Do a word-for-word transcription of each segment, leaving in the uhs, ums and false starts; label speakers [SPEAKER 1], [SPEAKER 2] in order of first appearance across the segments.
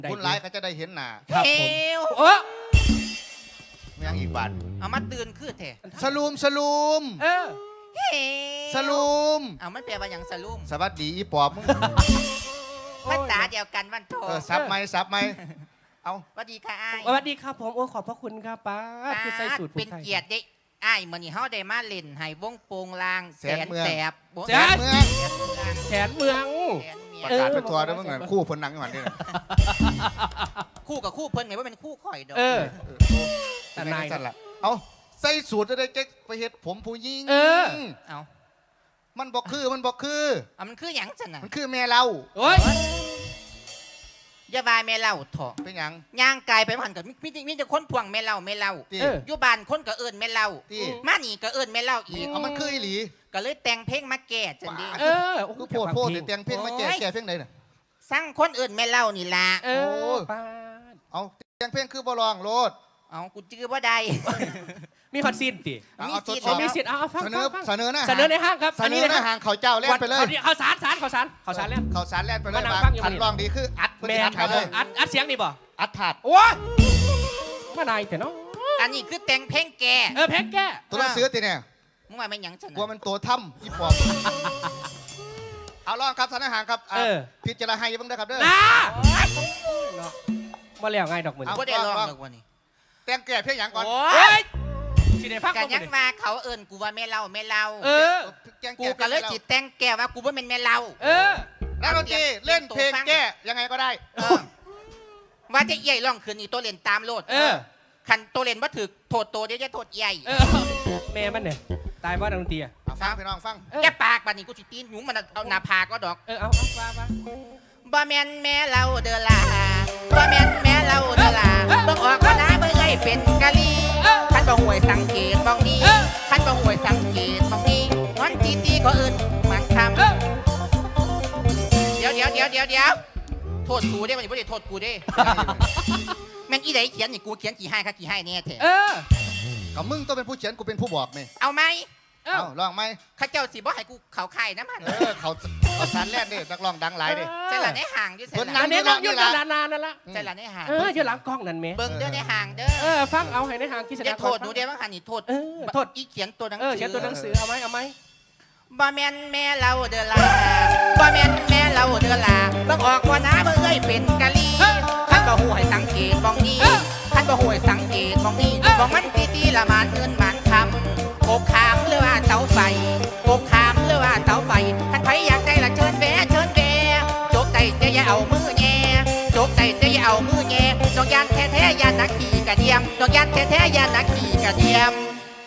[SPEAKER 1] คุณหลายก็จะได้เห็นหน้า
[SPEAKER 2] ครับ
[SPEAKER 3] เอ
[SPEAKER 2] ผม
[SPEAKER 3] ว
[SPEAKER 2] โอ้
[SPEAKER 1] ไม่ยังอีกบาท
[SPEAKER 3] เอามาตื่นขึ้นเถอะ
[SPEAKER 1] สลูมสลูม
[SPEAKER 2] เออ
[SPEAKER 3] เฮ้
[SPEAKER 1] สลูม
[SPEAKER 3] เอามันแปลว่าอย่างสลุ่ม
[SPEAKER 1] สวัสดีอีปอบมึง
[SPEAKER 3] ภาษาเดียวกันวันโท
[SPEAKER 1] เออซับไหมซับไหมเอา
[SPEAKER 3] สวัสดีค่ะอ้าย
[SPEAKER 2] สวัสดีครับผมโอ้ขอบพระคุณครับป้าดคือใส่สูตร
[SPEAKER 3] เป็นเกียรติได้อ้ายมื้อนี้เฮาได้มาเล่นให้วงโปงลางแสนแสบ
[SPEAKER 2] แส
[SPEAKER 1] แสน
[SPEAKER 2] น
[SPEAKER 1] เมือง
[SPEAKER 2] แสนเมือง
[SPEAKER 3] แสนเมีย
[SPEAKER 1] ประกาศเป็นตัวด้วยมึงเหมือนคู่พลนังกันนี่
[SPEAKER 3] คู่กับคู่เพิ่นไงว่าเป็นคู่ข่อยดอก
[SPEAKER 2] เออ
[SPEAKER 1] แต่
[SPEAKER 2] แต่นาย
[SPEAKER 1] สั่นละเอาใส่สูตรจะได้เจ๊กไปเฮ็ดผมผู้หญิง
[SPEAKER 2] เออ
[SPEAKER 3] เอา
[SPEAKER 1] มันบอกคือมันบอกคือ
[SPEAKER 3] เอามันคือหยังซั่นน่ะ
[SPEAKER 1] มันคือแม่เรา
[SPEAKER 2] โอ้ย
[SPEAKER 3] อย่าบายแม่เล่าเถาะ
[SPEAKER 1] เป็นหยัง
[SPEAKER 3] ย่างกายไปหันกับมีมีมีแต่คนพวงแม่เล่าแม่เล่า
[SPEAKER 1] ตี
[SPEAKER 2] เออ
[SPEAKER 3] อยู่บ้านคนก็เอิ้นแม่เล่า
[SPEAKER 1] ตี
[SPEAKER 3] มานี่ก็เอิ้นแม่เล่าอีก
[SPEAKER 1] เอามันคืออีหลี
[SPEAKER 3] ก็เลยแต่งเพลงมาแก้จังดี
[SPEAKER 2] เออ
[SPEAKER 1] คือโพดโพดแต่เตียงเพ่งมาแก่แก่เพ่งไหนน่ะ
[SPEAKER 3] สร้างคนเอิ้นแม่เล่านี่ล่ะ
[SPEAKER 2] เออป้าด
[SPEAKER 1] เอาเตียงเพ่งคือบ่ลองโลด
[SPEAKER 3] เอากูจื้อบ่ได้
[SPEAKER 2] มีคอนซีนติ
[SPEAKER 1] เอา
[SPEAKER 3] มี
[SPEAKER 1] เอา
[SPEAKER 3] สิทธิ์
[SPEAKER 1] ทดสอบ
[SPEAKER 2] มีสิทธิ์เอาเอาฟัง
[SPEAKER 1] เสนอ
[SPEAKER 2] ฟัง
[SPEAKER 1] เสนอหน้า
[SPEAKER 2] เสนอในห้างครับ
[SPEAKER 1] เสนอหน้าห่างเขาเจ้าแล่นไปเลย
[SPEAKER 2] เขาสารสารเขาสารเขาสารแล้ว
[SPEAKER 1] เขาสารแล่นไปเลย
[SPEAKER 2] มานั่ง
[SPEAKER 1] บาง
[SPEAKER 2] ฟังอยู่
[SPEAKER 1] ขัน
[SPEAKER 2] นี่
[SPEAKER 1] ลองดีคืออัดเพื่อ
[SPEAKER 2] แม
[SPEAKER 1] ที่อั
[SPEAKER 2] น
[SPEAKER 1] ด
[SPEAKER 2] ค
[SPEAKER 1] ไป
[SPEAKER 2] รับ
[SPEAKER 1] เล
[SPEAKER 2] ผม
[SPEAKER 1] ย
[SPEAKER 2] อัดอัดเสียงนี่บ่
[SPEAKER 1] อัดถาด
[SPEAKER 2] โอ้ยมานายแต่เนาะ
[SPEAKER 3] อันนี้คือแต่งเพลงแก
[SPEAKER 2] เออแพ็กแก้
[SPEAKER 1] ตัวหนังสือตีเนี่ย
[SPEAKER 3] มึงว่าแม่นหยังฉัน
[SPEAKER 1] กลัวมันตัวถ้ำอีปอบเอาลองครับสารห่างครับอ่ะ
[SPEAKER 2] เออ
[SPEAKER 1] พิจารณาให้บ้างนะครับเด้อ
[SPEAKER 2] นะ
[SPEAKER 3] โอ๊ย
[SPEAKER 2] มาแล้วไงดอกมือ
[SPEAKER 1] เอา
[SPEAKER 3] บ่ได้ลองดอกวันนี้
[SPEAKER 1] แต่งแก่เพียงอย่างก่อน
[SPEAKER 3] โอ้
[SPEAKER 2] เฮ้
[SPEAKER 3] ย
[SPEAKER 2] ยสิได้ฟัง
[SPEAKER 3] กัน
[SPEAKER 2] บ่
[SPEAKER 3] ยัง
[SPEAKER 2] มื้อนี้
[SPEAKER 3] มาเขาเอิ้นกูว่าแม่เล่าแม่เล่า
[SPEAKER 2] เออ
[SPEAKER 1] แจ้ง
[SPEAKER 3] กู
[SPEAKER 1] แก่
[SPEAKER 3] ก็เลยจิตแต่งแกว่ากูว่าเป็นแม่เล่า
[SPEAKER 2] เออ
[SPEAKER 1] นักดนตรีเล่นเพลงแก้ยังไงก็ได้
[SPEAKER 3] เออว่าจะเอี่ยร้องคืนนี้ตัวเล่นตามโลด
[SPEAKER 2] เออ
[SPEAKER 3] คันตัวเล่นว่าถือโทษตัวเดี๋ยวจะโทษใหญ่
[SPEAKER 2] เออแม่มันเนี่ยตายว่าดนตรีอ่ะ
[SPEAKER 1] เอาฟังพี่น้องฟัง
[SPEAKER 2] เออ
[SPEAKER 3] แกปากบัดนี้กูสิตีนหนูมันเอาหน้าผากก็ดอก
[SPEAKER 2] เออเอาเอาว่าว่า
[SPEAKER 3] บ่แม่นแม่เล่าเด้อล่ะบ่แม่นแม่เล่าเด้อล่ะเบิ่งออกว่าน้าเบิ่งไอ้เป็นกะลีคันบ่ห่วยสังเกตมองนี้คันบ่ห่วยสังเกตมองนี้วันตีตีก็เอิ้นมันคำ
[SPEAKER 2] เออ
[SPEAKER 3] เดี๋ยวเดี๋ยวเดี๋ยวเดี๋ยวเดี๋ยวโทษกูได้มันไม่ได้โทษกูได้แม่งอีไหนเขียนนี่กูเขียนกี่ให้ค่ะกี่ให้เนี่ยเถ
[SPEAKER 2] เอ
[SPEAKER 3] อะ
[SPEAKER 2] อ
[SPEAKER 1] กับมึงต้องเป็นผู้เขียนกูเป็นผู้บอกไหม
[SPEAKER 3] เอาไหม
[SPEAKER 2] เอ้า
[SPEAKER 1] เอาลองไหม
[SPEAKER 3] ข้าเจ้าสิบ่ให้กูเขาไข่น้ำมัน
[SPEAKER 1] เออเขาเขาสารแล่นดินักร้องดังหลายดิ
[SPEAKER 3] ใช่หล่ะในห่างด้วยใช่
[SPEAKER 1] เพิ่น
[SPEAKER 3] ห
[SPEAKER 2] อั
[SPEAKER 3] ล่ะ
[SPEAKER 2] นนี้นั่งอยู่นานๆนั่นละ
[SPEAKER 3] ใช่หล่ะในห่าง
[SPEAKER 2] เอออยู่หลังกล้องนั่นแม่
[SPEAKER 3] เบิ่งเด้อในห่างเด้
[SPEAKER 2] เอ
[SPEAKER 3] อ
[SPEAKER 2] อฟังเอาให้ในทางกิจ
[SPEAKER 3] อย่า
[SPEAKER 2] การ
[SPEAKER 3] โทษหนูเด้อว่าหันนี่โทษ
[SPEAKER 2] เออโทษ
[SPEAKER 3] อีเขียนตัวหนัง
[SPEAKER 2] เอ
[SPEAKER 3] สื
[SPEAKER 2] อ
[SPEAKER 3] อ
[SPEAKER 2] เขียนตัวหนังสือเอาไหมเอาไหม
[SPEAKER 3] บ่แม่นแม่เล่าเด้อล่ะบ่แม่นแม่เล่าเด้อล่ะเบิ่งออกว่าน้าเบิ่งเอ้ยเป็นกะลีคันบ่ฮู้ให้สังเกตมองนี้คันบ่ฮู้ให้สังเกตมองนี้มองมันตีตีละมานเงินมานคำอกขามหรือว่าเสาไฟอกขามหรือว่าเสาไฟคันไผอยากได้ละเชิญแวะเชิญแวะโจกไตจะอย่าเอามือแย่โจกไตจะอย่าเอามือแย่ดอกยานแท้ๆยานนักขี่กระเดียมดอกยานแท้ๆยานนักขี่กระเดียม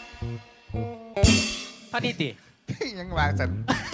[SPEAKER 2] พอดีติ
[SPEAKER 1] ยังวางสัน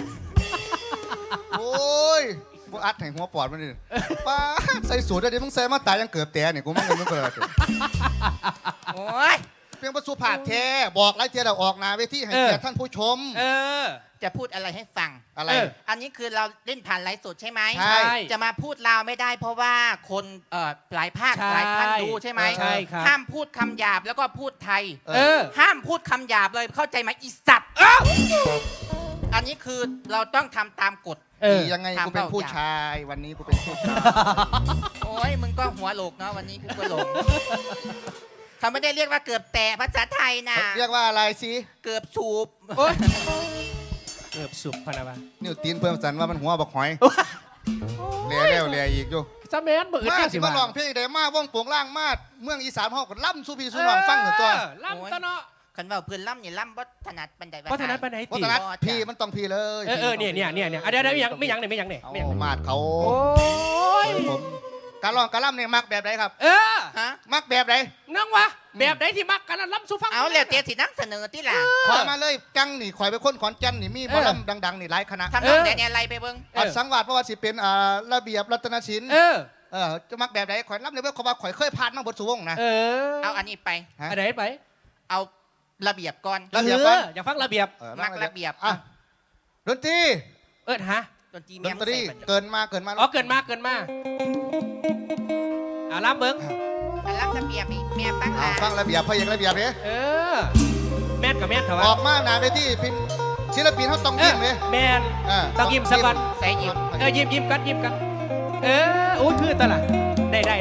[SPEAKER 1] โอ้ยพวกอัดแห่งหัวปอดมันนี่ป้าใส่สูตรได้ดิมึงใส่มาตายยังเกือบแต่เนี่ยกูไม่เงินมึงเกิด
[SPEAKER 3] โอ้ย
[SPEAKER 1] เพียงประสูผาดแท้บอกไรเทียเราออกนาเวทีให้เกียรติท่านผู้ชม
[SPEAKER 2] เออ
[SPEAKER 3] จะพูดอะไรให้ฟัง
[SPEAKER 1] อะไร
[SPEAKER 2] เออ
[SPEAKER 3] อันนี้คือเราเล่นผ่านไลฟ์สดใช่ไหม
[SPEAKER 1] ใช่
[SPEAKER 3] จะมาพูดลาวไม่ได้เพราะว่าคนเอ่อหลายภาค
[SPEAKER 2] ใช่
[SPEAKER 3] หลายท่านดูใช่ไหม
[SPEAKER 2] ใช่ครับ
[SPEAKER 3] ห้ามพูดคำหยาบแล้วก็พูดไทย
[SPEAKER 2] เออ
[SPEAKER 3] ห้ามพูดคำหยาบเลยเข้าใจไหมอีสัตว์อันนี้คือเราต้องทำตามกฎ
[SPEAKER 2] เออ
[SPEAKER 1] ยังไงกูเป็นผู้ชาย วันนี้กูเป็นผู้ชาย
[SPEAKER 3] โอ้ยมึงก็หัวโหลกเนาะวันนี้กูก็หลงเขาไม่ได้เรียกว่าเกือบแตะภาษาไทยนะ
[SPEAKER 1] เรียกว่าอะไรสิ
[SPEAKER 3] เกือบสูบ
[SPEAKER 2] โอ๊ยเกือบสุกพะนะวะ
[SPEAKER 1] นิ้วตีนเพิ่มสันว่ามันหัวบักหอยเลี้ยเลี้ยวเลี้ยอีกอยู่
[SPEAKER 2] ซะแมนบ่อึด
[SPEAKER 1] มา
[SPEAKER 2] จัง
[SPEAKER 1] สิ
[SPEAKER 2] สิ
[SPEAKER 1] มา
[SPEAKER 2] ว่า
[SPEAKER 1] ลองเพลงได้มาว่องโป่งล่างมาดเมืองอีสานห้องก็ล่ำสู้พี่สู้น้องฟังหนึ่งตัว
[SPEAKER 2] เออล่ำตะเนาะ
[SPEAKER 3] คันว่าเพื่อนล่ำเนี่ยล่ำบ่ถนัดบันได
[SPEAKER 2] วัฒนธรรมไหน
[SPEAKER 1] วั
[SPEAKER 2] ติ
[SPEAKER 1] ฒนธรรมพี่มันต้องพี่เลย
[SPEAKER 2] เออเออเนี่ยเนี่ยเนี่ยเนี่ยอ่ะเดี๋ยวเดี๋ยวไม่ยังไม่ยังเนี่ยไม่ยังเนี่ย
[SPEAKER 1] เอา
[SPEAKER 2] ไม่ยัง
[SPEAKER 1] มาดเขา
[SPEAKER 2] โอ้ย
[SPEAKER 1] ผมการร้องการล่ำเนี่ยมักแบบไหนครับ
[SPEAKER 2] เออ
[SPEAKER 3] ฮะ
[SPEAKER 1] มักแบบไหน
[SPEAKER 2] น้องวะแบบไหนที่มักกันล่ำสู้ฟัง
[SPEAKER 3] เอาแล้วเตียสินั่งเสนอที่หล่ะ
[SPEAKER 1] ขอมาเลยจังนี่ข่อยไปค้นขอนแก่นนี่มีหมอลำดังๆนี่หลายคณะ
[SPEAKER 3] ทำนองไหนเนี่ยอะไรไปเบิ้ง
[SPEAKER 1] อัดสังวาสเพราะว่าสิเป็นอ่าระเบียบรัตนศิลป์
[SPEAKER 2] เออ
[SPEAKER 1] เออจะมักแบบไหนข่อยล่ำเลยเพื่อเขาว่าข่อยเคยผ่านมาบทสุวงศ์นะ
[SPEAKER 2] เออ
[SPEAKER 3] เอาอันนี้ไป
[SPEAKER 1] ฮะ
[SPEAKER 2] อันไหนไป
[SPEAKER 3] เอาระเบียบก่อน
[SPEAKER 1] ระเบียบก่อน
[SPEAKER 2] อออยากฟังระเบียบ
[SPEAKER 1] เออ
[SPEAKER 3] มักระเบียบ
[SPEAKER 1] อ่ะดนตรี
[SPEAKER 2] เอิดฮะ
[SPEAKER 3] ดนตรี
[SPEAKER 1] ด
[SPEAKER 3] เมีย
[SPEAKER 1] น
[SPEAKER 3] ง
[SPEAKER 1] ตรี
[SPEAKER 3] ใส่ไป
[SPEAKER 1] เกินมาเกินมา
[SPEAKER 2] อ๋อเกินมากเกินมากอ่ะรับเบิ้ง
[SPEAKER 3] อันรับระเบียบนี่เมียฟัง
[SPEAKER 1] อ่ะ
[SPEAKER 3] ละ
[SPEAKER 1] ฟังระเบียบพระเอกระเบียบเนี่ย
[SPEAKER 2] เออแม่นกับแม่นเถอะ
[SPEAKER 1] อ
[SPEAKER 2] วะ
[SPEAKER 1] อกมาหนาเวทีเป็นศิลปินเขาต้อง
[SPEAKER 2] เอ
[SPEAKER 1] ยิ้
[SPEAKER 2] อ
[SPEAKER 1] มเลย
[SPEAKER 2] แม่น
[SPEAKER 1] อ่า
[SPEAKER 2] ต้องยิ้มสักวัน
[SPEAKER 3] ใส่หยิบ
[SPEAKER 2] เออยิ้มยิ้มกันยิ้มกันเออโอ้ยคือตะล่ะได้ได้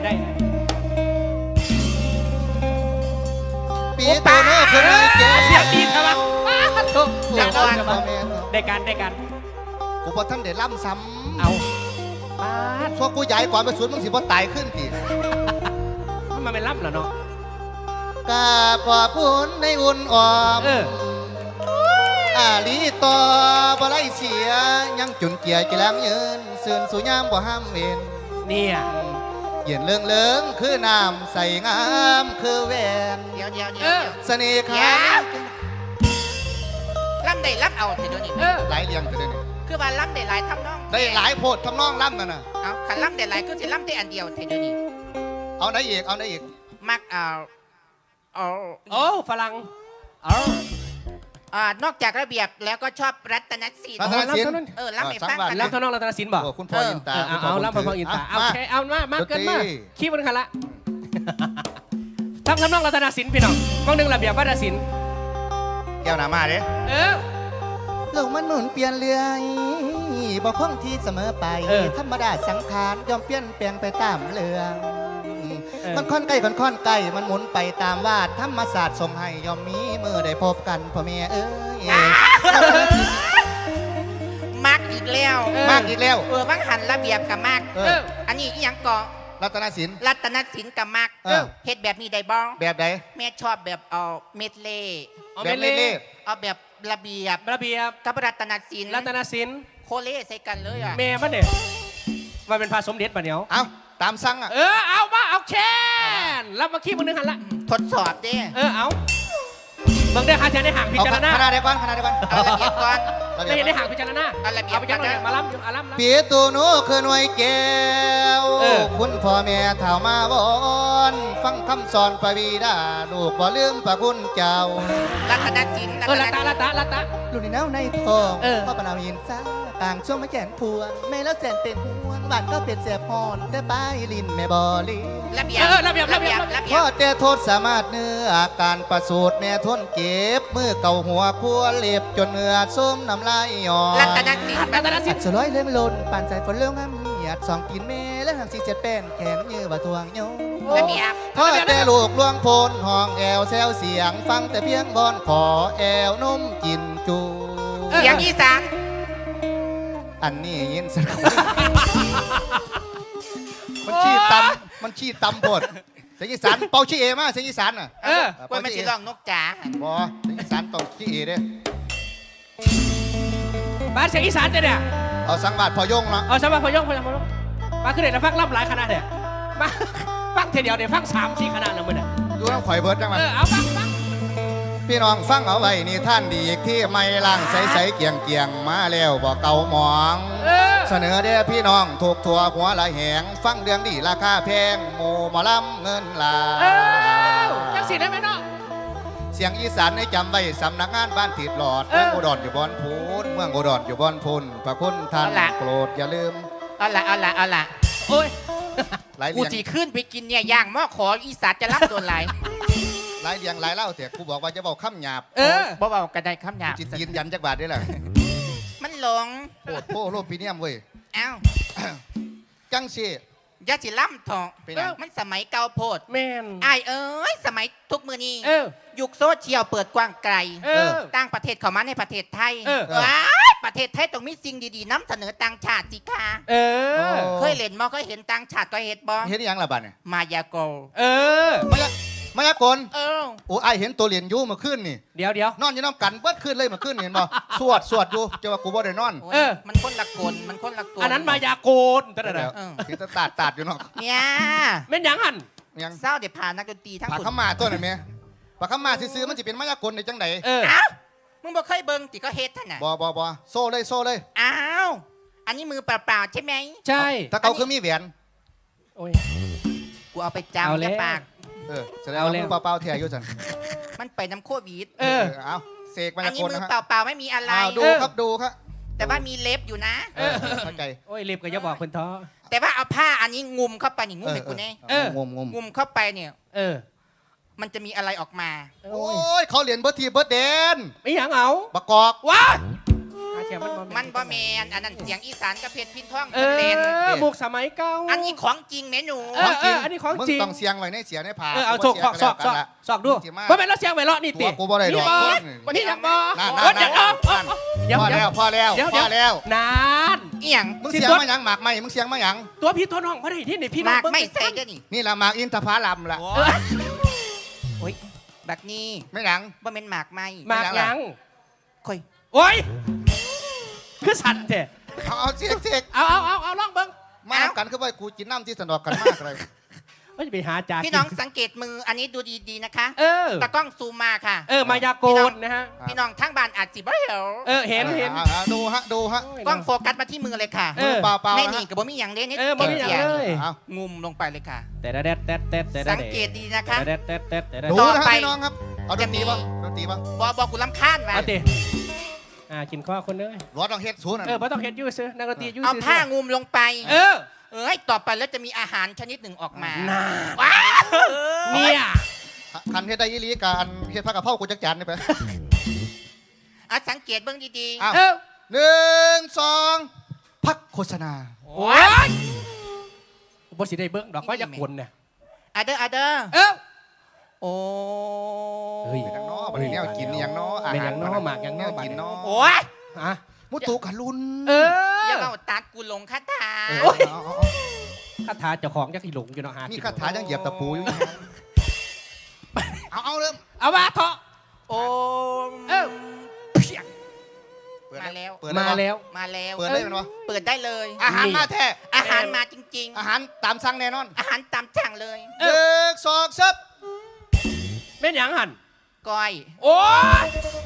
[SPEAKER 1] ปีโตโน่คือไอ้แก้ว
[SPEAKER 2] เสียงดีครับว่าถูก
[SPEAKER 3] จังหวะ
[SPEAKER 1] พ่อแม่
[SPEAKER 2] ได้การได้การ
[SPEAKER 1] กูพอท่านได้ล่ำซ้ำ
[SPEAKER 2] เอาปาด
[SPEAKER 1] พวกกูใหญ่กว่าไปสวนมึงสิบ่ตายขึ้นติ
[SPEAKER 2] มันเป็นล่ำเหรอเนาะ
[SPEAKER 1] กาขอบคุณในอุ่นอ่อม
[SPEAKER 2] เออ
[SPEAKER 1] อาลีต่อบ่ไล่เสียยังจุนเกียร์กีแลงยืนเสื่นสู่ยามบ่ห้ามเวน
[SPEAKER 2] เนี่ย
[SPEAKER 1] เย็นเลืองเลืองคือน้ำใส่งามคือแหวน
[SPEAKER 3] เดี๋ยวเดี๋ยวเดี๋
[SPEAKER 2] เอ
[SPEAKER 3] ยว
[SPEAKER 2] อ
[SPEAKER 1] เสน่ห์
[SPEAKER 3] เดี๋
[SPEAKER 1] ขา
[SPEAKER 3] ยวล่ำได้ล่ำเอาเถอะเดี๋ยวนี้
[SPEAKER 2] เออ
[SPEAKER 1] หลายเรียงกันเลยนี่
[SPEAKER 3] คือว่าล่ำได้หลายทำนอง
[SPEAKER 1] ได้หลายโพดทำนองล่ำนั่นน่ะ
[SPEAKER 3] เอาขันล่ำได้หลายก็สิล่ำได้อันเดียวเถอะเดี๋ยวนี้
[SPEAKER 1] เอาไหนอีกเอาไหนอีก
[SPEAKER 3] มักเอาเอา
[SPEAKER 2] โอ้ฝรั่ง
[SPEAKER 3] เอาอ่านอกจากระเบียบแล้วก็ชอบรัตนศิล
[SPEAKER 1] รั
[SPEAKER 3] ป์
[SPEAKER 1] ตนศิลป์
[SPEAKER 3] เออล่ำให้ฟังกัน
[SPEAKER 2] ล่ำทนองรัตนศิลป์บ่
[SPEAKER 1] โอ้คุณพ่อยินตา
[SPEAKER 2] เออเอาเอาล่ำพอๆอินตาเอา
[SPEAKER 1] มา
[SPEAKER 2] แค่เอามามาเกินมา
[SPEAKER 1] ดนตรี
[SPEAKER 2] ขี้มันขันละทำทำนองรัตนศิลป์พี่น้องมองหนึ่งระเบียบวัฒนศิลป์
[SPEAKER 1] แก้วหนามาเด้
[SPEAKER 2] เออ
[SPEAKER 1] โลกมันหมุนเปลี่ยนเรื่อยบ่คงที่เสมอไป
[SPEAKER 2] เออ
[SPEAKER 1] ธรรมดาสังขารย่อมเปลี่ยนแปลงไปตามเรื่อง
[SPEAKER 2] เออ
[SPEAKER 1] มันค่อนใกล้ค่อนค่อนไกลมันหมุนไปตามวาดธรรมศาสตร์ทรงให้ย่อมมีมือได้พบกันพ่อแม่เอ้ย
[SPEAKER 3] มักอีกแล้ว
[SPEAKER 2] เออ
[SPEAKER 1] มากอีกแล้ว
[SPEAKER 3] เออมักหันระเบียบกับมัก
[SPEAKER 1] เอ
[SPEAKER 2] เอ
[SPEAKER 1] อ
[SPEAKER 2] อ
[SPEAKER 3] อันนี้อีหยังก่อ
[SPEAKER 1] รัตนศิลป์
[SPEAKER 3] รัตนศิลป์กับมัก
[SPEAKER 1] เออ
[SPEAKER 3] เฮ็ดแบบนี้ได้บ้อง
[SPEAKER 1] แบบใด
[SPEAKER 3] แม่ชอบแบบเอาเม็ดเล่
[SPEAKER 2] เอา
[SPEAKER 1] แบ
[SPEAKER 2] ไป
[SPEAKER 1] บ
[SPEAKER 2] เล่
[SPEAKER 1] เล่
[SPEAKER 3] เอาแบบระเบียบ
[SPEAKER 2] ระเบียบ
[SPEAKER 3] กับรัตนศิลป์
[SPEAKER 2] รัตนศิลป์
[SPEAKER 3] โคเล่ใส่กันเลยอ่ะ
[SPEAKER 2] เมย์มันเนี่ยมันเป็นพาสมเด็จปะเนียว
[SPEAKER 1] ๆเอาตามสั่งอ่ะ
[SPEAKER 2] เออเอามาเอาแค่นรับมาขี้มันนึงหันละ
[SPEAKER 3] ทดสอบเด้
[SPEAKER 2] เออเอาเบิ่งได้หาเจอในห่างพิ
[SPEAKER 1] เอา
[SPEAKER 2] จารณา
[SPEAKER 1] คณะเดียวกันคณะเดียวกัน
[SPEAKER 3] เอาระเบียบก่อน
[SPEAKER 2] ไม่เห็นได้ห่างพิจารณา
[SPEAKER 3] เอาระเบียบ
[SPEAKER 2] เอาไปจัง
[SPEAKER 3] ก่อน
[SPEAKER 2] เลย
[SPEAKER 3] นะ
[SPEAKER 2] มาล้ำอยู่อาล้ำล้ำ
[SPEAKER 1] ปีตูหนูคือหน่วยแก้ว
[SPEAKER 2] เออ
[SPEAKER 1] คุณพ่อแม่เฒ่ามาวอนฟังคำสอนพระบิดาลูกบ่ลืมพระคุณเจ้า
[SPEAKER 3] รัตนศิลป์
[SPEAKER 2] เออละตาละตาละตา
[SPEAKER 1] ลูกในเน่าในทอง
[SPEAKER 2] เออ
[SPEAKER 1] พ่อปนาวยินซ่าต่างช่วงมาแก่นพวงแม่แล้วแสนเป็นห่วงบ้านก็เป็นแสบพรแต่ป้ายลินแม่บอลี
[SPEAKER 3] ระเบียบ
[SPEAKER 2] เออระเบียบระเบียบ
[SPEAKER 3] ระเบี
[SPEAKER 1] พ่
[SPEAKER 3] ย
[SPEAKER 1] อบ แต่โทษสามารถเนื้ออาการประสูติแม่ทนเก็บมือเก่าหัวคัวเล็บจนเนื้อส้มน้ำลายอ่อน
[SPEAKER 3] รัตนศิลป์
[SPEAKER 2] รัตนศิ
[SPEAKER 1] สิ
[SPEAKER 2] ล
[SPEAKER 1] บ
[SPEAKER 2] ป์
[SPEAKER 1] สลอยเลื่องลนปานใจฝนเลื่องงามเหียดสองกินเมและหางสีเจ็ดเป็นแขนยื้อบ่ทวงโยง
[SPEAKER 3] ระเบียบ
[SPEAKER 1] พ่อแต่ลูกลวงโพนห้องแอวแซวเสียงฟังแต่เพียงบอนขอแอวนุ่มกินจู
[SPEAKER 3] เสียงอีสาน
[SPEAKER 1] อันนี้ยินสักมันชี้ตำมันชี้ตำบดเสียงอีสานเป่าชี้เอมาเสียงอีสานน่ะ
[SPEAKER 2] เออ
[SPEAKER 3] กล้วยมันสิร้องนกจ๋า
[SPEAKER 1] บอเสียงอีสานต้องชี้เอเด้
[SPEAKER 2] บ้านเสียงอีสานเจ้าเนี่ย
[SPEAKER 1] เอาสังบาทพอยงเนาะ
[SPEAKER 2] เอาสบายพยองพยองพยองมาขึ้นเด็ดแล้วฟังล่ำหลายขนาดเนี่ยมาฟังทีเดียวเดี๋ยวฟังสามสี่ขนาดแล้วมึงเนี่ย
[SPEAKER 1] ดูน้ำข่อยเบิร์ดจังมัน
[SPEAKER 2] เออเอาฟังฟัง
[SPEAKER 1] พี่น้องฟังเอาไว้นี่ท่านดีอีกที่ไม่ล่างใสๆเกียงเกียงๆมาแล้วบอกเก่าหมอง
[SPEAKER 2] เออ
[SPEAKER 1] เสนอเด้อพี่น้องถูกทัวหัวละแหง ฟังเรื่องดีราคาแพงหมูหมอลำเงินหลา
[SPEAKER 2] เออจังสิได้ไหมเนาะ
[SPEAKER 1] เสียงอีสานให้จำไว้สำนักงานบ้านติดหลอด
[SPEAKER 2] เออ
[SPEAKER 1] เมืองอุดรอยู่บอนพูนเมืองอุดรอยู่บอนพูนพระคุณท่านโปรดอย่าลืม
[SPEAKER 3] เอาละเอาละเอาละ
[SPEAKER 2] โอ้ย
[SPEAKER 1] หลาย
[SPEAKER 3] กู
[SPEAKER 1] เลียง
[SPEAKER 3] สิขึ้นไปกินเนี่ยย่างหม้อขออีสานจะรับตัวไหลาย
[SPEAKER 1] หลายเลียงหลายเล่าแต่กูบอกว่าจะบอกคำหยาบ
[SPEAKER 2] เออ
[SPEAKER 3] บ่เบากันได้คำหยาบ
[SPEAKER 1] จิตยืนยันจักบาทได้แหละ
[SPEAKER 3] มันหลง
[SPEAKER 1] โอ้โหโลปีเนียมเว้ย
[SPEAKER 3] เอ้า
[SPEAKER 1] จังสิ
[SPEAKER 3] อยาสิล่ำทอง
[SPEAKER 1] เป็นหยัง
[SPEAKER 3] มันสมัยเก่าโพด
[SPEAKER 2] แมน
[SPEAKER 3] ไอ้ายเอ้ยสมัยทุกมือนี้
[SPEAKER 2] เออ
[SPEAKER 3] ยุคโซเชียลเปิดกว้างไกล
[SPEAKER 2] เออ
[SPEAKER 3] ต่างประเทศเข้ามาในประเทศไทย
[SPEAKER 2] เออ
[SPEAKER 3] ว้ายประเทศไทยต้องมีสิ่งดีๆนำเสนอต่างชาติสิคะ
[SPEAKER 2] เออ
[SPEAKER 3] เคยเล่นบ่เคยเห็นต่างชาติก็เห็นบ่
[SPEAKER 1] เห็นอยังละบาทเนี่ย
[SPEAKER 3] มายาโกล
[SPEAKER 2] เออ
[SPEAKER 1] มายามายากล
[SPEAKER 3] เออ
[SPEAKER 1] โอ้ไอายเห็นตัวเหรียญยูเมื่อคืนนี่
[SPEAKER 2] เดี๋ยวเดี๋ยวน
[SPEAKER 1] อนอยู่น้ำกันเบิดขึ้นเลยเมื่อคืนนี่เห็นบ่ สวดสวดอยู่เจ้าว่ากูบ่ได้นอน
[SPEAKER 3] โอ้ย
[SPEAKER 2] เออ
[SPEAKER 3] มันคนละกลมันคนละกล
[SPEAKER 2] อันนั้นมายาโกนแต่
[SPEAKER 1] เดี๋
[SPEAKER 2] เดี๋
[SPEAKER 1] ย
[SPEAKER 2] ยว ว
[SPEAKER 3] เออ
[SPEAKER 1] คิดจะตาดตาดอยู่เนาะ
[SPEAKER 3] เนี่ย
[SPEAKER 2] แม่นหยังหัน
[SPEAKER 1] ยัง
[SPEAKER 3] เศร้าเดี๋ยวพานักดนตรีทั้ง
[SPEAKER 1] ผัก
[SPEAKER 3] คุณ
[SPEAKER 1] ข้ามาตัวไหนแม่ผักข้ามาซื้อๆมันจะเป็นมายากลในจังได
[SPEAKER 2] เออ
[SPEAKER 3] อ้าวมึงบอกเคยเบิ่งติก็เฮ็ดท่านน่ะ
[SPEAKER 1] บ่บ่บ่โซ่เลยโซ่เลย
[SPEAKER 3] อ้าวอันนี้มือเปล่าๆใช่ไหม
[SPEAKER 2] ใช่
[SPEAKER 1] ถ้าเขาคือมีแหวน
[SPEAKER 2] โอ้ย
[SPEAKER 3] กูเอาไป
[SPEAKER 2] เอา
[SPEAKER 3] จำ
[SPEAKER 2] แล้
[SPEAKER 3] จะ
[SPEAKER 2] ว
[SPEAKER 3] ปาก
[SPEAKER 1] เออแสดง
[SPEAKER 2] เอา
[SPEAKER 1] ว่า
[SPEAKER 2] แล้ว
[SPEAKER 1] มือเปล่าๆเทียอยู่สัน
[SPEAKER 3] มันไปน้ำโควิด
[SPEAKER 2] เออ
[SPEAKER 1] เอาเสกมา
[SPEAKER 3] อัน
[SPEAKER 1] ยา
[SPEAKER 3] นี้
[SPEAKER 1] กล
[SPEAKER 3] มือ
[SPEAKER 1] นะฮะ
[SPEAKER 3] เปล่าๆไม่มีอะไร
[SPEAKER 1] เอาดู
[SPEAKER 2] เออ
[SPEAKER 1] ครับดูครับ
[SPEAKER 3] แต่ว่ามีเล็บอยู่นะ
[SPEAKER 1] เออเข้าใจ
[SPEAKER 2] โอ้ยเล็บก็จะบอกคนท้อ
[SPEAKER 3] แต่ว่าเอาผ้าอันนี้งุมเข้าไปนี่งุมให้กูแน่
[SPEAKER 2] เออ
[SPEAKER 1] งมงม
[SPEAKER 3] งุมเข้าไปเนี่ย
[SPEAKER 2] เออ
[SPEAKER 3] มันจะมีอะไรออกมา
[SPEAKER 2] โอ้
[SPEAKER 1] โอ้
[SPEAKER 2] ย
[SPEAKER 1] ยเขาเหรียญเบิร์ดทีเบิร์ดเดน
[SPEAKER 2] ไม่หยังเอา
[SPEAKER 1] ประกอบ
[SPEAKER 2] ว้า
[SPEAKER 3] อา
[SPEAKER 2] ค่มันบ่
[SPEAKER 3] มันบ่แมนอันนั้นเสียงอีสานกับเพชรพินท่อง
[SPEAKER 2] เอ
[SPEAKER 3] เล่น
[SPEAKER 2] อมุกสมัยเก่า
[SPEAKER 3] อันนี้ของจริงแม่หนู
[SPEAKER 2] เออเอออันนี้ของ
[SPEAKER 1] มึง
[SPEAKER 2] จริง
[SPEAKER 1] ต้องเสียงไว้ในเสียในผา
[SPEAKER 2] เออเอาโชกสอกสอกสอกสอกดูว่าเป็นแล้วเสียงไวเลาะนี่
[SPEAKER 1] ตั
[SPEAKER 2] ติ
[SPEAKER 1] วกูบ่ได้ดอก
[SPEAKER 2] นี่ยังบ่
[SPEAKER 1] นั่น
[SPEAKER 2] โอ้ย
[SPEAKER 1] นั่น
[SPEAKER 2] เดี๋ยว
[SPEAKER 1] นั่น
[SPEAKER 2] เดี๋ยวเดี๋ยว
[SPEAKER 1] พอแล้วพอแล้ว
[SPEAKER 2] เดี๋ยว
[SPEAKER 1] พอแล้ว
[SPEAKER 2] นาน
[SPEAKER 3] เอียง
[SPEAKER 1] มึงเสียงมาหยังหมากไหมมึงเสียงมาหยัง
[SPEAKER 2] ตัวพี่ตัวน้องบ่ได้ที่นี่พี่น้อง
[SPEAKER 3] มากไม่ใส่เด้อนี่
[SPEAKER 1] นี่ละหมากอินทผลัมละ
[SPEAKER 3] โอ้ยโอ้ยบักนี้
[SPEAKER 1] ไม่หยัง
[SPEAKER 3] บ่แม่นหมากไม่
[SPEAKER 2] มากยัง
[SPEAKER 3] ค่อย
[SPEAKER 2] โอ้ยคือสั่นแท้
[SPEAKER 1] เอาเอาเสียกเสียก
[SPEAKER 2] เอาเอาเอาเอาลองเบิ่ง
[SPEAKER 1] มาทำกันคือว่ากูกินน้ำที่สนอกกันมากเลย
[SPEAKER 2] ว่าจะไปหาจ่า
[SPEAKER 3] พี่น้องสังเกตมืออันนี้ดูดีๆนะคะ
[SPEAKER 2] เออ
[SPEAKER 3] ตากล้องซูมมาค่ะ
[SPEAKER 2] เออมายากลนะฮะ
[SPEAKER 3] พี่น้องทั้งบ้านอาจสิบ่เห็น
[SPEAKER 2] เออเห็นเห็น
[SPEAKER 1] อ่าอ่าดูฮะดูฮะ
[SPEAKER 3] กล้องโฟกัสมาที่มือเลยค่ะ
[SPEAKER 2] เออ
[SPEAKER 1] เปล่าเปล่า
[SPEAKER 3] ไม่
[SPEAKER 1] นะ
[SPEAKER 3] นี่กับบ่มีอย่างเด่นนี่
[SPEAKER 2] เออบ่มีหยังเลย
[SPEAKER 1] เอา
[SPEAKER 3] งุมลงไปเลยค่ะ
[SPEAKER 2] แต่แดดแดดแดดแดด
[SPEAKER 3] สังเกตดีนะคะ
[SPEAKER 2] แต่แดดแดดแดดแต่แดด
[SPEAKER 1] ดู
[SPEAKER 3] ต่อ
[SPEAKER 1] นะฮะ
[SPEAKER 3] ไป
[SPEAKER 1] พี่น้องครับเอาดนตรีป่ะดนตรีป่ะ
[SPEAKER 3] บอบอกูลำคาญว่ะ
[SPEAKER 2] เอาติอ่ากินข้าวคนเลย
[SPEAKER 1] รถต้องเฮ็ดศูนย์น่ะ
[SPEAKER 2] เออบ่ต้องเฮ็ดยูซื้อนักดนตรียู
[SPEAKER 3] เอา
[SPEAKER 2] ซื้อ
[SPEAKER 3] ผ้างุมลงไป
[SPEAKER 2] เออ
[SPEAKER 3] เอ้ยต่อไปแล้วจะมีอาหารชนิดหนึ่งออกมา
[SPEAKER 2] น่า
[SPEAKER 3] ว้าว
[SPEAKER 2] เนี่ย
[SPEAKER 1] คันเฮ็ดได้ยี่ลีการเฮ็ดผักกะเพรากูจักจานนี่ไป
[SPEAKER 3] อ่ะสังเกตเบื้องดี
[SPEAKER 1] อ้าว
[SPEAKER 2] เออ
[SPEAKER 1] หนึ่งสองพักโฆษณา
[SPEAKER 3] ๆ
[SPEAKER 2] โอ้ยบ่สิได้เบิ่งดอกว่าอยากคนเนี่ย
[SPEAKER 3] อะเดอร์อะเดอร์
[SPEAKER 2] เออ
[SPEAKER 3] โอ้
[SPEAKER 2] เฮ้ย
[SPEAKER 1] เป็นหยังน้อบัดนี้แนวกินนี่หยังน้ออา
[SPEAKER 2] เป็นห
[SPEAKER 1] หา
[SPEAKER 2] ยั
[SPEAKER 1] รง
[SPEAKER 2] น้อหมากหยังน้อ
[SPEAKER 1] แนวกินน้อ
[SPEAKER 3] โอ้ย
[SPEAKER 2] ฮะ
[SPEAKER 1] มุตุกะลุน
[SPEAKER 2] เออ
[SPEAKER 3] อย่าเอาตัดกูลงคาถา
[SPEAKER 1] เออเอาเอาเอา
[SPEAKER 2] คาถาเจ้าของจักสิหลงอยู่เนาะหา
[SPEAKER 1] มี
[SPEAKER 2] มี
[SPEAKER 1] คาถายังเหยียบตะปูอยู่เอาเอาเริ่ม
[SPEAKER 2] เอาว่าเถาะ
[SPEAKER 3] โอ้
[SPEAKER 2] เออ
[SPEAKER 1] เปิด
[SPEAKER 3] มาแล้ว
[SPEAKER 1] เปิด
[SPEAKER 2] มา
[SPEAKER 1] ได้
[SPEAKER 2] แล้ว
[SPEAKER 3] มาแล้ว
[SPEAKER 1] เปิดได้มันวะ
[SPEAKER 3] เปิดได้เลย
[SPEAKER 1] อาหารมาแท้
[SPEAKER 3] อาหารมาจริง
[SPEAKER 1] อาหารตามสั่งแน่นอน
[SPEAKER 3] ๆ อาหารตามสั่งเลย
[SPEAKER 1] หนึ่งสองซับ
[SPEAKER 2] แม่นหยังหั่น
[SPEAKER 3] ก้อย
[SPEAKER 2] โอ้ย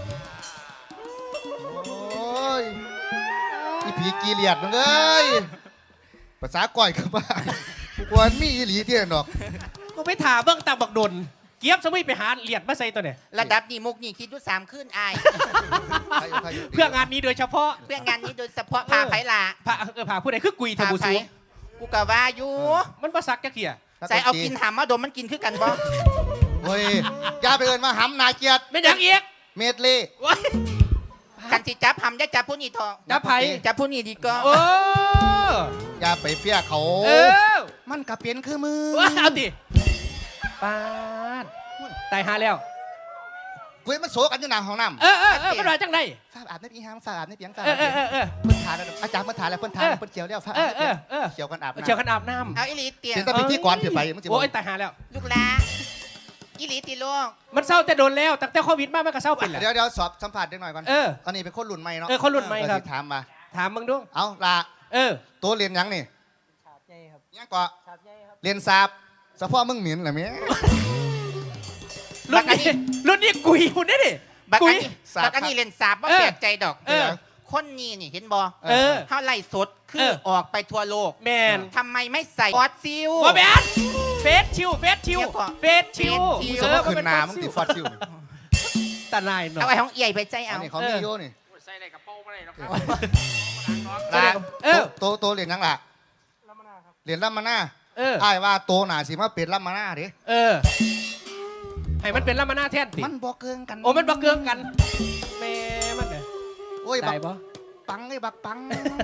[SPEAKER 1] โอ้ยอีผีกีเลียดมึงเอ้ยภาษาก่อยกับบ้ากวนมีอีหลีที่นั่นดอก
[SPEAKER 2] กูไปถามเบิ่งตามบักดนเกียบสมุยไปหาเหรียญมาใส่ตัวเนี่ย
[SPEAKER 3] ระดับนี้มุกนี่คิดดูสามขึ้นอาย
[SPEAKER 1] ใครอยู่ใครอยู่
[SPEAKER 2] เพื่องานนี้โดยเฉพาะ
[SPEAKER 3] เพื่องานนี้โดยเฉพาะพาไผ่ละ
[SPEAKER 2] พาเออพาผู้ใดคือกุยเท
[SPEAKER 3] พา
[SPEAKER 2] บู
[SPEAKER 3] ไผ่
[SPEAKER 2] ซู
[SPEAKER 3] กูกะว่าอยู่
[SPEAKER 2] มันบ่ซักจักเที่ย
[SPEAKER 3] ใส่เอากินหามมาดมมันกินคือกันบ่
[SPEAKER 1] เฮ้ยอย่าไปเอินมาหำนาเกียรติ
[SPEAKER 2] แม่นหยังอีก
[SPEAKER 1] เมดเล่
[SPEAKER 2] โอ้ย
[SPEAKER 3] กันสิจับหำจะจับผู้นี้ทอง
[SPEAKER 2] จับไผ
[SPEAKER 3] จับผู้นี้ดีก็
[SPEAKER 2] โอ้
[SPEAKER 1] อย่าไปเฟี้ยเขา
[SPEAKER 2] เออ
[SPEAKER 1] มันกะเป็นคือมือ
[SPEAKER 2] ว้าเอาดิปาดตายหาแล้ว
[SPEAKER 1] กูเห็นมันโศกันอยู่หน้าห้องน้ำ
[SPEAKER 2] เออเออเออมันว่าจังได
[SPEAKER 1] ฝาอาบในปีหามฝาอาบในเปียงฝา
[SPEAKER 2] เออเออเออเออ
[SPEAKER 1] เพิ่นทานแล้วอาจารย์เพิ่นทานแล้วเพิ่นทานแล้ว
[SPEAKER 2] เออ
[SPEAKER 1] เพิ่นเขียวแล้วฝา
[SPEAKER 2] เอ
[SPEAKER 1] อาบ
[SPEAKER 2] อเออเออ
[SPEAKER 1] เขียวกันอาบ
[SPEAKER 2] เชียวกันอาบน้
[SPEAKER 3] เอาอีหลีเตีย
[SPEAKER 1] เสียงแต่พิธีก่อนเสียไปมึง
[SPEAKER 2] ำ
[SPEAKER 1] จะบ
[SPEAKER 2] โอ้
[SPEAKER 1] อก
[SPEAKER 2] ยตายหาแล้ว
[SPEAKER 3] ลูกหลาอีหลีตีลูก
[SPEAKER 2] มันเศร้าแต่โดนแล้วตั้งแต่โควิดมามันก็เศร้าเป็นแหละ
[SPEAKER 1] เดี๋ยวเดี๋ยวสอบสัมผัสเด็กหน่อยก่อน
[SPEAKER 2] เออ
[SPEAKER 1] อันนี้เป็นคนรุ่นใหม่เนาะ
[SPEAKER 2] เออคนรุ่นใหม่ครับ
[SPEAKER 1] เออสิถามมา
[SPEAKER 2] ถามมึงดู
[SPEAKER 1] เอาละ
[SPEAKER 2] เออ
[SPEAKER 1] ตัวเรียนหยังนี่ยังก็เรียนสาบสะพ่อมึงเหม็นเหรอเมีย
[SPEAKER 2] รุ่นนี้รุ่นนี้กุยคุณได้ดิ
[SPEAKER 3] บัก
[SPEAKER 2] กุ
[SPEAKER 3] อั
[SPEAKER 2] ย
[SPEAKER 3] นนี้บักอันนี้เล่นสาบว่า
[SPEAKER 2] เออ
[SPEAKER 3] แปลกใจดอก
[SPEAKER 2] เออ
[SPEAKER 3] คนนี้นี่เห็นบ่
[SPEAKER 2] เออ
[SPEAKER 3] เท่าไล่สดคื
[SPEAKER 2] เอ
[SPEAKER 3] อ
[SPEAKER 2] อ
[SPEAKER 3] ออกไปทั่วโลก
[SPEAKER 2] แมน
[SPEAKER 3] ทำไมไม่ใส่ฟอสซิล
[SPEAKER 2] ว่าแมนเฟสชิวเฟสชิว
[SPEAKER 3] เดี๋ยวก่อน
[SPEAKER 2] เฟสชิว
[SPEAKER 3] เฟสชิ
[SPEAKER 1] มึงสมมติขึ้นหนามึงติดฟอสซิลนี่
[SPEAKER 2] ตาลายหน่อ
[SPEAKER 3] เอา
[SPEAKER 2] ย
[SPEAKER 3] ไอ้ของเอี่ยไปใจ
[SPEAKER 1] อั
[SPEAKER 3] เอา
[SPEAKER 1] นนี้เขามีโยนี่
[SPEAKER 2] ใส่ในกระเป๋าไม่ได้หรอก
[SPEAKER 1] ละ
[SPEAKER 2] เออ
[SPEAKER 1] ตัวตัวเรียนหยังล่ะเรียนลัมมานา
[SPEAKER 2] เออ
[SPEAKER 1] อ้ายว่าโตหนาสิมาเป็นลัมมานาดิ
[SPEAKER 2] เออ ให้มันเป็นลามานาแทนติ
[SPEAKER 1] มันบอกเกิงกัน
[SPEAKER 2] โอ้มันบักเกืองกันแม่มันเนี่ย
[SPEAKER 1] โอ้ยบั
[SPEAKER 2] ได้
[SPEAKER 1] ก
[SPEAKER 2] ปะ
[SPEAKER 1] ปังไอ้บักปัง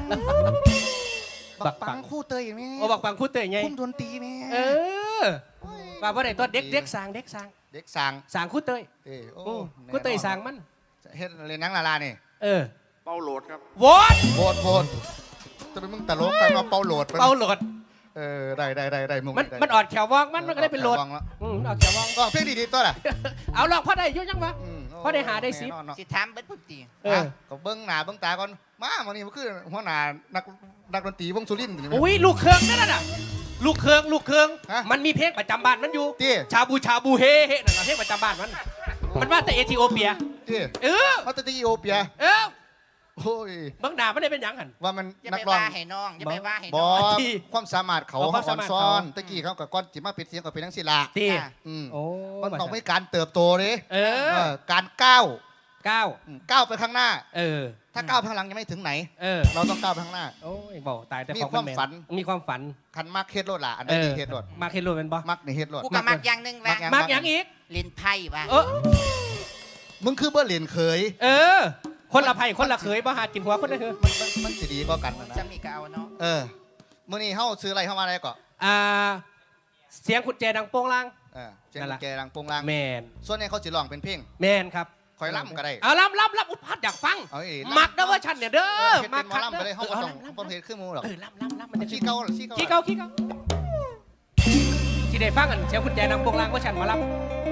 [SPEAKER 2] บั
[SPEAKER 1] บั
[SPEAKER 2] ก
[SPEAKER 1] ก
[SPEAKER 2] ปั
[SPEAKER 1] ปั
[SPEAKER 2] ง
[SPEAKER 1] งคู่เตยอย่างนี้
[SPEAKER 2] โอ้บักปังคูดเตยไง
[SPEAKER 1] คุ้มดนตรีแม่
[SPEAKER 2] เออว่าว่าไหนตัวเด็กเด็กสางเด็กสาง
[SPEAKER 1] เด็กสั่ง
[SPEAKER 2] สางคูดเตย
[SPEAKER 1] เอ้ยโอ้
[SPEAKER 2] โอ้คูดเตยสางมัน
[SPEAKER 1] เฮ็ดเรียนหนังลาลานี่
[SPEAKER 2] เออ
[SPEAKER 4] เป้าโหลดครับ
[SPEAKER 2] วอด
[SPEAKER 1] โบดโบดจะเป็นมึงตลกกันมาเป่าโหลด
[SPEAKER 2] เป่าโหลด
[SPEAKER 1] เออได้ได้ได้ได้มึง
[SPEAKER 2] มัน
[SPEAKER 1] ได้
[SPEAKER 2] มันออดแขววองมันมันก็ได้เป็นโหลด
[SPEAKER 1] วางแล้ว
[SPEAKER 2] อืมออดแขววอง
[SPEAKER 1] ก็เพลงดีๆตัวน่ะ
[SPEAKER 2] เอาลองพอได้อยุ่ยังวะ
[SPEAKER 1] อืม
[SPEAKER 2] พอได้หาได้สิ
[SPEAKER 1] แน่นอนเนาะ
[SPEAKER 3] สิถามเบิดพุ่นตี
[SPEAKER 2] เออ
[SPEAKER 1] อ่ะก็เบิ้งหน้าเบิ้งตาก่อนมาวันนี้มันคือหัวหน้านักนักดนตรีวงสุรินทร์นี่
[SPEAKER 2] อุ้ยลูกเครืองนั่นน่ะลูกเครืองลูกเครือง
[SPEAKER 1] ฮะ
[SPEAKER 2] มันมีเพลงประจำบ้านมันอยู่
[SPEAKER 1] ตี้
[SPEAKER 2] ชาบูชาบูเฮเฮนั่นน่ะเพลงประจำบ้านมัน มันมาแต่เอธิโอเปีย
[SPEAKER 1] ตี้
[SPEAKER 2] เออ
[SPEAKER 1] มาจากอีโอเปีย
[SPEAKER 2] เออ
[SPEAKER 1] โอ้ย
[SPEAKER 2] เบางหนาไม่ได้เป็นหยังหัน
[SPEAKER 1] ว่ามัน
[SPEAKER 3] อย่า
[SPEAKER 1] นั
[SPEAKER 3] ไป
[SPEAKER 1] กร้อง
[SPEAKER 3] ว่าให้น้องอย่าไปว่าให้
[SPEAKER 1] บ
[SPEAKER 3] น้
[SPEAKER 1] อ
[SPEAKER 3] อง
[SPEAKER 1] ก
[SPEAKER 2] ที่
[SPEAKER 1] ความสามารถเขา
[SPEAKER 2] อ๋อความ
[SPEAKER 1] เขา
[SPEAKER 2] สามารถ
[SPEAKER 1] ซ้อน
[SPEAKER 2] เขา
[SPEAKER 1] ตะกี้เขากับก้อนจิมาเป็นเสียงกับเป็นทั้งศิลา
[SPEAKER 2] ที่
[SPEAKER 3] ค่ะ
[SPEAKER 1] อืม
[SPEAKER 2] โอ้
[SPEAKER 1] มันต้องมีการเติบโตเลย
[SPEAKER 2] เอ
[SPEAKER 1] เอ
[SPEAKER 2] อ
[SPEAKER 1] อการก้าว
[SPEAKER 2] เก้า
[SPEAKER 1] อืมก้าวไปข้างหน้า
[SPEAKER 2] เออ
[SPEAKER 1] ถ้าก้าวไปข้างหลังยังไม่ถึงไหน
[SPEAKER 2] เออ
[SPEAKER 1] เราต้องก้าวไปข้างหน้า
[SPEAKER 2] โอ้ยบอกตายแต่
[SPEAKER 1] มี
[SPEAKER 2] ของ
[SPEAKER 1] ความ
[SPEAKER 2] แน
[SPEAKER 1] ฝัน
[SPEAKER 2] มีความฝัน
[SPEAKER 1] คันมักเฮ็ดรถล่ะอัน
[SPEAKER 2] เอ
[SPEAKER 1] นี้
[SPEAKER 2] อ
[SPEAKER 1] ดีเฮ็ดรถ
[SPEAKER 2] มาเคโลเป็นบ่
[SPEAKER 1] มักในเฮ็ดรถ
[SPEAKER 3] กูก็มักอย่างหนึงว่ะ
[SPEAKER 1] มักอย่าง
[SPEAKER 2] มากหยังอีก
[SPEAKER 3] เล่นไพ่ว่ะ
[SPEAKER 2] เออ
[SPEAKER 1] มึงคือเบ่เหรียญเคย
[SPEAKER 2] เออคนละไผ่คนละเขยบ่หากินหัวคนละเขย
[SPEAKER 1] มันมันมันสิดีก็กันนะ
[SPEAKER 3] จะมีกเอาเนาะ
[SPEAKER 1] เออมื้อนี้เฮาซื้ออะไรเข้ามาได้ก่อน
[SPEAKER 2] อ่าเสียงกุญแจดังโป้งล่าง
[SPEAKER 1] เออเสียงกุญแจดังโปงลาง
[SPEAKER 2] แมน
[SPEAKER 1] ส่วนนี้เขาสิร้องเป็นเพลง
[SPEAKER 2] แมนครับ
[SPEAKER 1] คอยล่ำก็ได้
[SPEAKER 2] เอาล่ำล่ำล่ำอุพัดอยากฟัง
[SPEAKER 1] เอาอีก
[SPEAKER 2] มักเด้อเว่าฉันเนี่ยเด้อ
[SPEAKER 1] เฮ็ด
[SPEAKER 2] มั
[SPEAKER 1] เป็นหมอ
[SPEAKER 2] คัก
[SPEAKER 1] ล่ำไปเลยเฮาบ่
[SPEAKER 2] เออ
[SPEAKER 1] ต้อง
[SPEAKER 2] ล่ำ
[SPEAKER 1] บ่เฮ็ดขึ้นหมูหรอก
[SPEAKER 2] เออล่ำล่ำล่ำมันจะ
[SPEAKER 1] ขี้เก่าขี้เก่า
[SPEAKER 2] ขี้เก่าขี้เก่าที่ได้ฟังกันเสียงกุญแจดังโป้งล่างว่าฉันหมาล่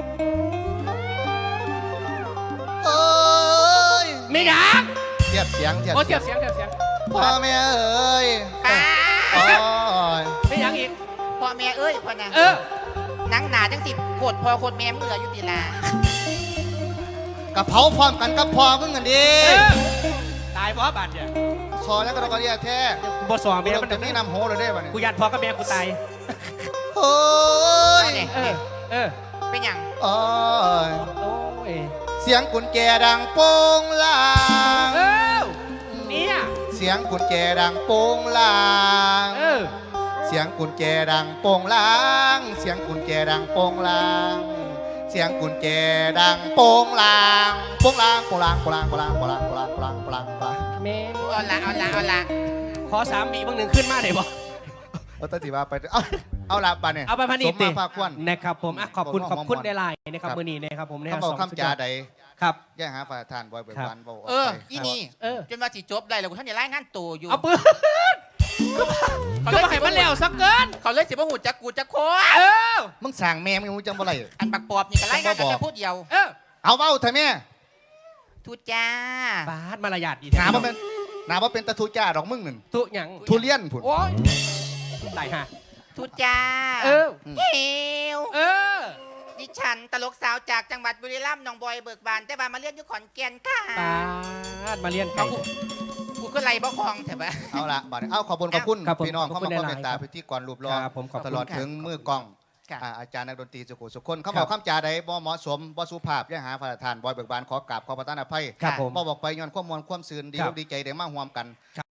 [SPEAKER 1] เอ้ย
[SPEAKER 2] ำไม่ดัง
[SPEAKER 1] เทียบเสียงเทียบ
[SPEAKER 2] โอ้เสียบเสียงเสียบเสียง
[SPEAKER 1] พ่อแม่เอ้ย
[SPEAKER 3] ป้า
[SPEAKER 1] โอ้ย
[SPEAKER 2] ไม่ยังอีก
[SPEAKER 3] พ่อแม่เอ้ยพ่อนะ
[SPEAKER 2] เออ
[SPEAKER 3] หนังหนาจังสิโคตรพ่อโคตรแม่เมื่ออยู่ติลาก
[SPEAKER 1] ะเผาพร้อมกันกับพ่อมึงกันดิ
[SPEAKER 2] เออตายเพราะบาดเนี่ย
[SPEAKER 1] ซอแล้วก็ต้องกระเดียแท้
[SPEAKER 2] บ่สองเมีย
[SPEAKER 1] เดี๋ยว
[SPEAKER 2] มัน
[SPEAKER 1] จะมีน้ำโหเลยได้ป่ะเนี่ย
[SPEAKER 2] กูยันพ่อกับแม่กูตาย
[SPEAKER 1] โอ้ย
[SPEAKER 3] เนี่ย
[SPEAKER 2] เออเออ
[SPEAKER 3] เป็นหยัง
[SPEAKER 1] โอ้ย
[SPEAKER 2] โอ้ย
[SPEAKER 1] เสียงกุญแจดังโป้งลาง
[SPEAKER 2] เออเนี่ย
[SPEAKER 1] เสียงกุญแจดังโป้งลาง
[SPEAKER 2] เออ
[SPEAKER 1] เสียงกุญแจดังโป้งลาง เสียงกุญแจดังโป้งลาง เสียงกุญแจดังโป้งลางโป้งลางโป้งลางโป้งลางโป้งลางโป้งลางโป้งลางโป้งลางโป้งลางโป้งลาง
[SPEAKER 2] แม่
[SPEAKER 3] เอาละเอาละเอาละ
[SPEAKER 2] ขอสามบีบางหนึ่งขึ้นมาได้บ่
[SPEAKER 1] เอาตัดสิว่าไปเอาเอาละปะเนี่ย
[SPEAKER 2] เอาไปพัน
[SPEAKER 1] ส
[SPEAKER 2] อี
[SPEAKER 1] ม
[SPEAKER 2] ติ
[SPEAKER 1] มาภาคควน
[SPEAKER 2] นะครับผมอ่ะขอบคุณ
[SPEAKER 1] ข
[SPEAKER 2] ข
[SPEAKER 1] อ
[SPEAKER 2] อ
[SPEAKER 1] บบ คุ
[SPEAKER 2] คุณ ณในไลน์นะครับ
[SPEAKER 1] ครับ
[SPEAKER 2] มือนี้นะครับผมใน
[SPEAKER 1] เขาบอกคำจาใด
[SPEAKER 2] ครับ
[SPEAKER 1] แย่หาฝ่ายทานบ่อยเบิกบานบ่
[SPEAKER 3] เอออีนี่
[SPEAKER 2] เออ
[SPEAKER 3] จนว่าสิจบได้แล้วกูท่านอย่าไล่งานตัวอยู่
[SPEAKER 2] เอาปืนก็มาให้มันแล้วสักเกิน
[SPEAKER 3] เขาเลยสิบ่หูจักกูจักโค
[SPEAKER 2] เออ
[SPEAKER 1] มึงสั่งแม่มึงมึงจังบ่ไร
[SPEAKER 3] อันบักปอบนี่ก็ไล่งานกันแต่พูดเดียว
[SPEAKER 2] เออ
[SPEAKER 1] เอาเว้าเถอะแม่
[SPEAKER 3] ทุจ้า
[SPEAKER 2] บาดมารยาทดี
[SPEAKER 1] หนาบ่เป็นหนาบ่เป็นตะทูจ้าดอกมึงนั่น
[SPEAKER 2] ตุหยัง
[SPEAKER 1] ทุเรียนพุ่น
[SPEAKER 2] โอ้ยได้ฮะ
[SPEAKER 3] ทุจ้า
[SPEAKER 2] เออ
[SPEAKER 3] เฮว
[SPEAKER 2] เออ
[SPEAKER 3] ดิฉันตลกสาวจากจังหวัดบุรีรัมย์หนองบอยเบิกบานแต่บานมาเรียนอยู่ขอนแก่นค่ะ
[SPEAKER 2] บาดมาเรียนไก่
[SPEAKER 3] กูก็ไล่บ่คลองเถอะปะ
[SPEAKER 1] เอาละบัดนี้เอาขอบคุณขอบคุณ
[SPEAKER 2] ครับผม
[SPEAKER 1] พี่น้อง
[SPEAKER 2] ขอบ
[SPEAKER 1] เข้า
[SPEAKER 2] คุ
[SPEAKER 1] มา
[SPEAKER 2] ณ
[SPEAKER 1] คอม
[SPEAKER 2] ห
[SPEAKER 1] เม
[SPEAKER 2] ลาย
[SPEAKER 1] น
[SPEAKER 2] ๆ
[SPEAKER 1] ต์ตาพิธีกรรูปรอ
[SPEAKER 2] ครับผมขอบคุณ
[SPEAKER 1] ตลอดถึงมือกล้อง
[SPEAKER 3] ค่ะ
[SPEAKER 1] อ่าอาจารย์นักดนตรีสุขุสุขคนเขา
[SPEAKER 2] ครับ
[SPEAKER 1] บอกคำจาใดบ่เหมาะสมบ่สุภาพอย่าหาฝ่ายทานบอยเบิกบานขอกราบขอประทานอภัย
[SPEAKER 2] ครับผม
[SPEAKER 1] บ่บอกไปย้อนความมวลความซื่นดี
[SPEAKER 2] ครั
[SPEAKER 1] อบ กดีใจได้มาร่วมกัน